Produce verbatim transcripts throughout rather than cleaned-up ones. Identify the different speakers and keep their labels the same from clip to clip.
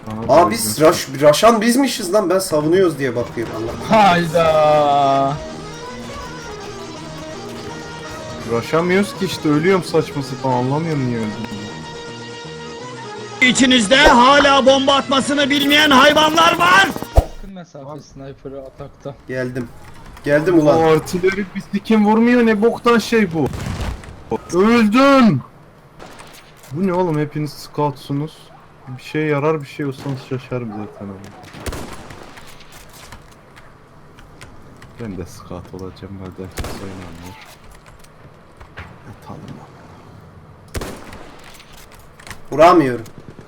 Speaker 1: Aa biz Raş, Raşan bizmişiz lan, ben savunuyoruz diye bakıyorum Allah.
Speaker 2: Hayda.
Speaker 3: Uğraşamıyoruz ki işte, ölüyorum saçma sapan, anlamıyorum niye öldüm.
Speaker 4: İçinizde hala bomba atmasını bilmeyen hayvanlar var.
Speaker 2: Yakın mesafe sniper'ı atakta.
Speaker 1: Geldim. Geldim
Speaker 3: O
Speaker 1: ulan.
Speaker 3: artileri bir kim vurmuyor, ne boktan şey bu. Öldüm. Bu ne oğlum, hepiniz scoutsunuz. Bir şey yarar, bir şey olsanız şaşarım zaten ama. Ben de scout olacağım, madem kimse oynamıyor. Yatalım lan.
Speaker 1: Vuramıyorum.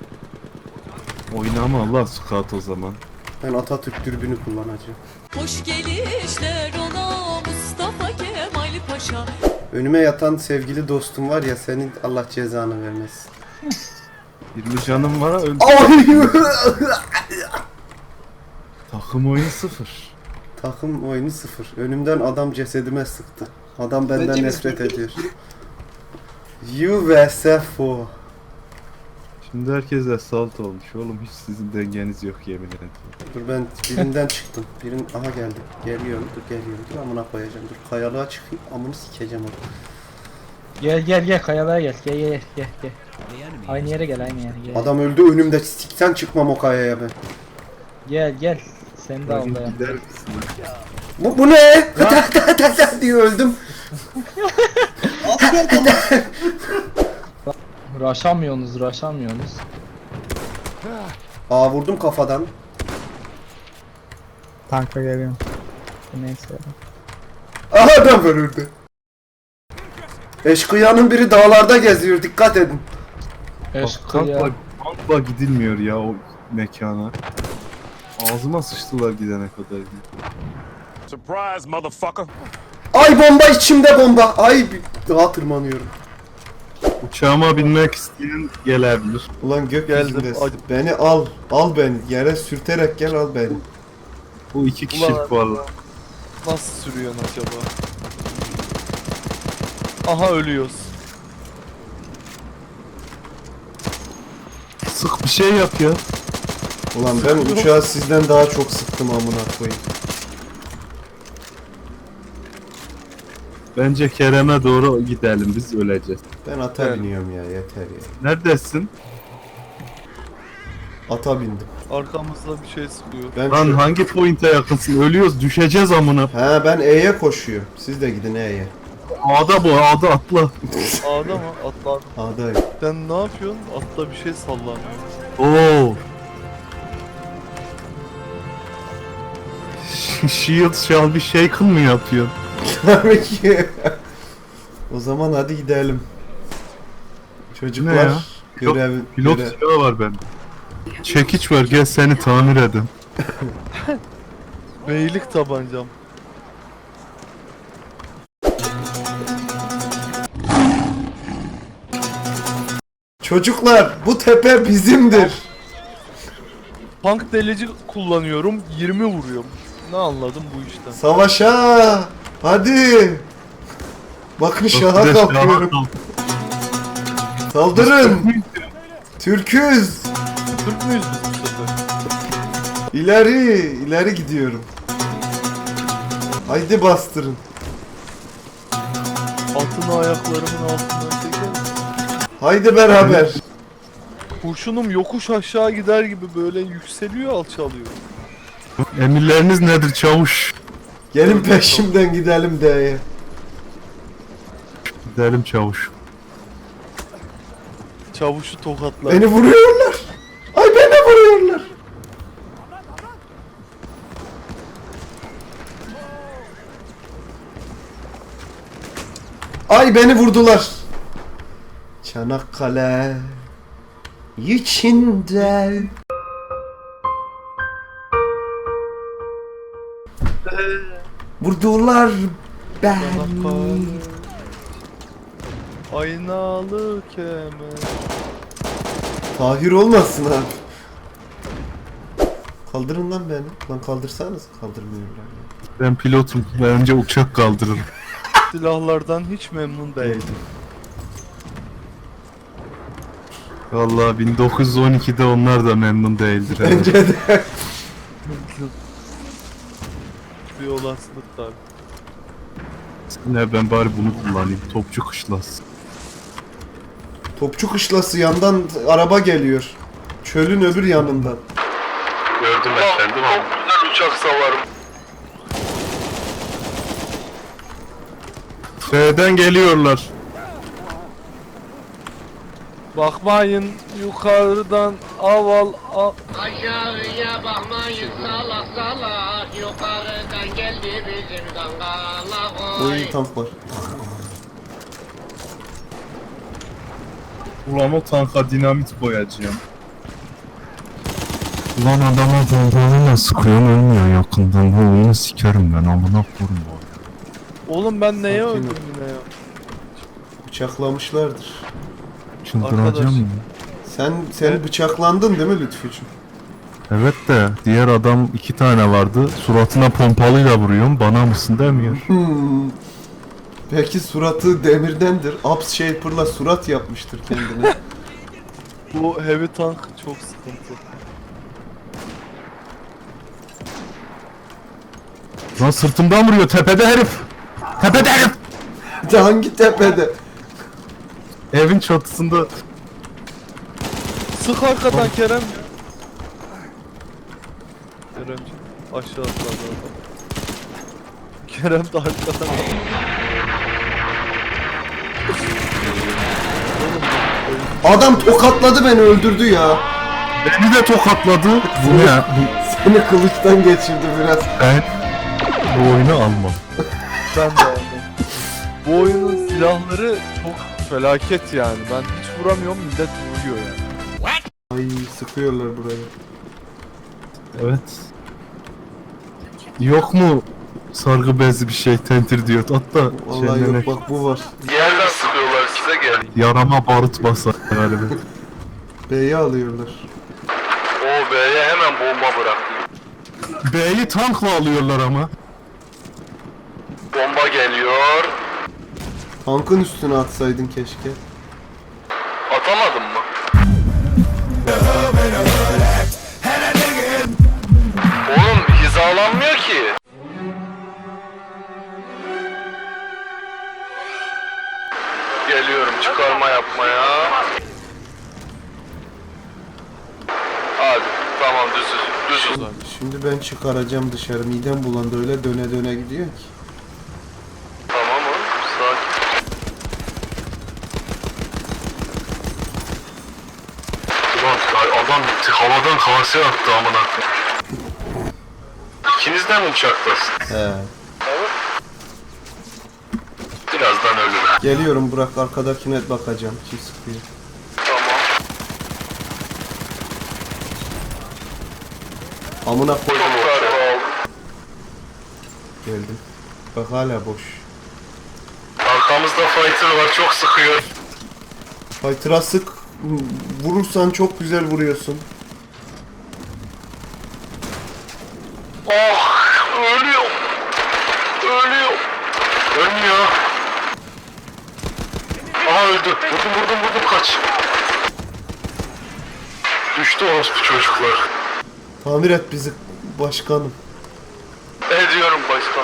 Speaker 3: Oynama Allah scout o zaman.
Speaker 1: Ben Atatürk dürbünü kullanacağım.
Speaker 5: Hoş gelişler ola Mustafa Kemal Paşa.
Speaker 1: Önüme yatan sevgili dostum var ya, senin Allah cezanı vermesin.
Speaker 3: yirmi canım var, öldüm. Takım oyunu sıfır.
Speaker 1: Takım oyunu sıfır. Önümden adam cesedime sıktı. Adam benden nefret ediyor. You vs F O.
Speaker 3: Şimdi herkes assault olmuş oğlum, hiç sizin dengeniz yok yemin ederim.
Speaker 1: Dur ben birinden çıktım. Birin aha geldi. Geliyorum. Dur geliyorum. Dur amına koyacağım. Dur kayalığa çıkayım. Amını sikeceğim onu.
Speaker 2: Gel gel gel kayalığa gel. Gel gel gel gel. Aynı yere gel aynı yere gel.
Speaker 1: Adam öldü önümde. Sikten çıkmam o kayaya ben.
Speaker 2: Gel gel. Sen de al
Speaker 3: Bugün
Speaker 2: dayan.
Speaker 3: gider misin?
Speaker 1: Bu, bu ne? diye öldüm.
Speaker 2: Raşamıyorsunuz raşamıyorsunuz.
Speaker 1: Aa vurdum kafadan.
Speaker 2: Tanka geliyorum. Neyse.
Speaker 1: Aha adam öldü. Eşkıyanın biri dağlarda geziyor. Dikkat edin.
Speaker 2: Eşkıya.
Speaker 3: Tankla, tankla gidilmiyor ya o mekana. Ağzıma sıçtılar gidene kadar.
Speaker 4: Surprise motherfucker.
Speaker 1: Ay bomba içimde bomba. Ay daha tırmanıyorum.
Speaker 3: Uçağıma binmek isteyen gelebilir.
Speaker 1: Ulan gökyüzündesin. Beni al. Al beni. Yere sürterek gel al beni.
Speaker 3: Bu iki kişilik valla.
Speaker 6: Nasıl sürüyorsun acaba? Aha ölüyoruz.
Speaker 3: Sık bir şey yap ya.
Speaker 1: Ulan ben uçağı sizden daha çok sıktım amına koyayım.
Speaker 3: Bence Kerem'e doğru gidelim, biz öleceğiz.
Speaker 1: Ben ata
Speaker 6: Evet.
Speaker 1: biniyorum ya, yeter ya.
Speaker 3: Neredesin?
Speaker 1: Ata bindim.
Speaker 6: Arkamızda bir şey sıkıyor.
Speaker 1: Ben
Speaker 3: Lan
Speaker 1: şu...
Speaker 3: hangi point'e yakınsın? Ölüyoruz, düşeceğiz amına.
Speaker 1: He ben E'ye koşuyorum. Siz de gidin E'ye.
Speaker 3: A'da bu, A'da atla.
Speaker 6: A'da mı? Atla.
Speaker 1: A'dayım.
Speaker 6: Sen ne yapıyorsun? Atla bir şey sallanıyor.
Speaker 3: Oo. Shield shall be shaken mı yapıyorsun?
Speaker 1: Tabii ki. O zaman hadi gidelim. Çocuklar
Speaker 3: Ne ya?
Speaker 1: görev...
Speaker 3: Pilot
Speaker 1: görev-
Speaker 3: silahı var bende. Çekiç var, gel seni tamir edin.
Speaker 6: Beylik tabancam.
Speaker 1: Çocuklar bu tepe bizimdir.
Speaker 6: Tank delici kullanıyorum. yirmi vuruyorum. Ne anladım bu işten?
Speaker 1: Savaşa! Hadi! Bakın şaha
Speaker 3: Bir de şaha
Speaker 1: kalkıyorum.
Speaker 3: kalk.
Speaker 1: Saldırın! Türküz!
Speaker 6: Türk müyüz biz bu sefer?
Speaker 1: İleri, ileri gidiyorum. Haydi bastırın.
Speaker 6: Atını ayaklarımın altından çeker.
Speaker 1: Haydi beraber.
Speaker 6: Kurşunum yokuş aşağı gider gibi böyle yükseliyor alçalıyor.
Speaker 3: Emirleriniz nedir çavuş?
Speaker 1: Gelin peşimden gidelim D'ye.
Speaker 3: Gidelim çavuş.
Speaker 6: Çavuşu tokatlar.
Speaker 1: Beni vuruyorlar. Ay beni vuruyorlar. Ay beni vurdular. Çanakkale içinde. Vurdular beni.
Speaker 6: Çanakkale. Aynalı kemer.
Speaker 1: Tahir olmasın abi. Kaldırın lan beni. Lan kaldırsanız kaldırmıyorlar.
Speaker 3: Ben pilotum, ben önce uçak kaldırırım.
Speaker 6: Silahlardan hiç memnun değilim.
Speaker 3: Vallahi bin dokuz yüz on ikide onlar da memnun değildir. herhalde.
Speaker 1: Bence de.
Speaker 6: Bir olasılık tabii.
Speaker 3: Ne ben bari bunu kullanayım. Topçu kışlası.
Speaker 1: Topçu kışlası yandan araba geliyor. Çölün öbür yanından.
Speaker 3: Gördüm efendim
Speaker 6: Çok güzel uçak savarım.
Speaker 3: F'den geliyorlar.
Speaker 6: Bakmayın yukarıdan aval a
Speaker 7: Aşağıya bakmayın salak salak yukarıdan geldi bizim dangalak oy.
Speaker 1: Oyun tank var.
Speaker 3: Ulan o tanka dinamit koyacağım. Ulan adama bombayla sıkıyorsun ölmüyor yakından. Bu oyunu sikerim ben amına koyayım bu.
Speaker 6: Oğlum ben neye
Speaker 1: Sakin ol.
Speaker 6: öldüm yine ya?
Speaker 1: Bıçaklamışlardır.
Speaker 6: Arkadaş.
Speaker 3: Çıldıracağım ya.
Speaker 1: Sen sen bıçaklandın değil mi Lütfücüğüm?
Speaker 3: Evet de diğer adam iki tane vardı. Suratına pompalıyla vuruyorum. Bana mısın demiyor.
Speaker 1: Hmm. Belki suratı demirdendir. Abs Shaper'la surat yapmıştır kendine.
Speaker 6: Bu heavy tank çok sıkıntı.
Speaker 3: Lan sırtımdan vuruyor tepede herif. Tepede herif.
Speaker 1: De hangi tepede?
Speaker 3: Evin çatısında.
Speaker 6: Sık arkadan Kerem. Keremciğim aşağı atladı adam. Kerem de arkadan.
Speaker 1: Adam tokatladı beni öldürdü ya.
Speaker 3: Beni de tokatladı. Bu ne?
Speaker 1: Seni kılıçtan geçirdi biraz.
Speaker 3: Ben bu oyunu almam.
Speaker 6: Ben de aldım. Bu oyunun silahları çok felaket yani. Ben hiç vuramıyorum, millet vuruyor yani.
Speaker 1: Ay sıkıyorlar burayı.
Speaker 3: Evet. Yok mu sargı bezli bir şey tentir diyor. Hatta
Speaker 1: Vallahi
Speaker 3: şeyden
Speaker 1: yok bak bu var.
Speaker 6: Yerden sıkıyorlar size gel.
Speaker 3: yarama barut basar galiba.
Speaker 1: B'yi alıyorlar.
Speaker 6: O B'ye hemen bomba bıraktı.
Speaker 3: B'yi tankla alıyorlar ama.
Speaker 6: Bomba geliyor.
Speaker 1: Tankın üstüne atsaydın keşke.
Speaker 6: Atamadın mı? Oğlum hizalanmıyor ki. Geliyorum çıkarma yapmaya. Hadi tamam düzüz. Düzüz abi.
Speaker 1: Şimdi ben çıkaracağım dışarı. Midem bulandı öyle döne döne gidiyor ki.
Speaker 6: Tamam oğlum sakin. Ulan adam havadan kase attı amına. İkiniz de mi uçaktasın?
Speaker 1: He.
Speaker 6: Birazdan ölürüm.
Speaker 1: Geliyorum Burak arkadakine bakacağım. Kim sıkıyor?
Speaker 6: Tamam.
Speaker 1: Amına koydum
Speaker 6: Çok
Speaker 1: o
Speaker 6: darbe aldım.
Speaker 1: Geldim. Bak hala boş.
Speaker 6: Arkamızda fighter var çok sıkıyor.
Speaker 1: Fighter'a sık. Vurursan çok güzel vuruyorsun.
Speaker 6: Oh ölüyor. Ölüyor. Ölmüyor. Aha öldü. Vurdum vurdum vurdum kaç. Düştü orospu çocuklar.
Speaker 1: Tamir et bizi başkanım.
Speaker 6: Ediyorum başkan.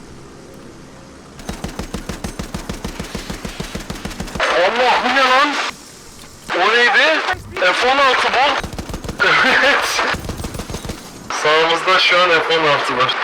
Speaker 6: Allah bu ne lan? O neydi? F on altı bu. Evet. Sağımızda şu an F on altı var.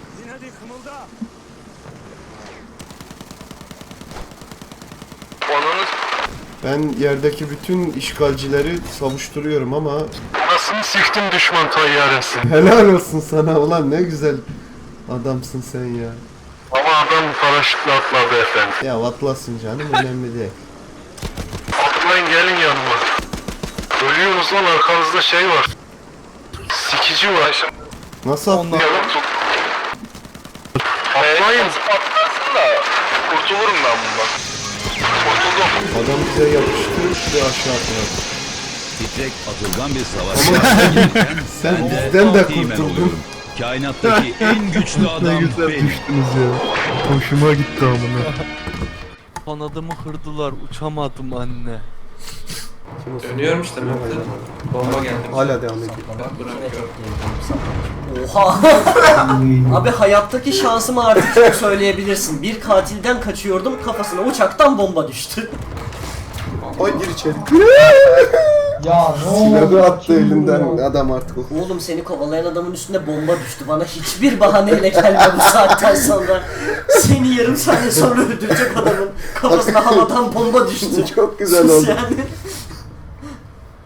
Speaker 6: Onun
Speaker 1: Ben yerdeki bütün işgalcileri savuşturuyorum ama
Speaker 6: nasıl siktim düşman tayyaresi.
Speaker 1: helal olsun sana ulan ne güzel adamsın sen ya.
Speaker 6: Ama adam paraşütle atladı efendim.
Speaker 1: Ya atlasın canım önemli değil.
Speaker 6: Atlayın gelin yanıma. Ölüyorsunuz lan arkanızda şey var. Sikici var.
Speaker 1: Nasıl atlayalım?
Speaker 6: Yanım tut. Atlayın. Atlarsın da kurtulurum ben bundan. Kurtuldum.
Speaker 1: Adam bize yapıştı ve aşağı atladı.
Speaker 8: Titrek atılgan bir savaş.
Speaker 1: Sen
Speaker 8: Ben de
Speaker 1: bizden de
Speaker 8: Ultimate
Speaker 1: kurtuldun.
Speaker 8: oluyorum. Kainattaki en güçlü
Speaker 3: Ne
Speaker 8: adam
Speaker 3: güzel
Speaker 8: benim.
Speaker 3: düştünüz ya. Hoşuma gitti amına.
Speaker 6: Kanadımı kırdılar uçamadım anne.
Speaker 1: Kim o?
Speaker 6: Dönüyorum işte
Speaker 1: Tamam,
Speaker 6: Mehmet.
Speaker 1: tamam.
Speaker 6: Bomba geldi.
Speaker 1: Hala devam ediyor.
Speaker 9: Oha! Abi hayattaki şansımı artık çok söyleyebilirsin. Bir katilden kaçıyordum, kafasına uçaktan bomba düştü.
Speaker 1: Ay gir içeri.
Speaker 2: Ya ne
Speaker 1: Silahı attı elinden adam artık.
Speaker 9: Oğlum seni kovalayan adamın üstünde bomba düştü. Bana hiçbir bahaneyle gelme bu saatten sonra. Seni yarım saniye sonra öldürecek adamın kafasına havadan bomba düştü.
Speaker 1: Çok güzel
Speaker 9: Sus
Speaker 1: oldu.
Speaker 9: yani.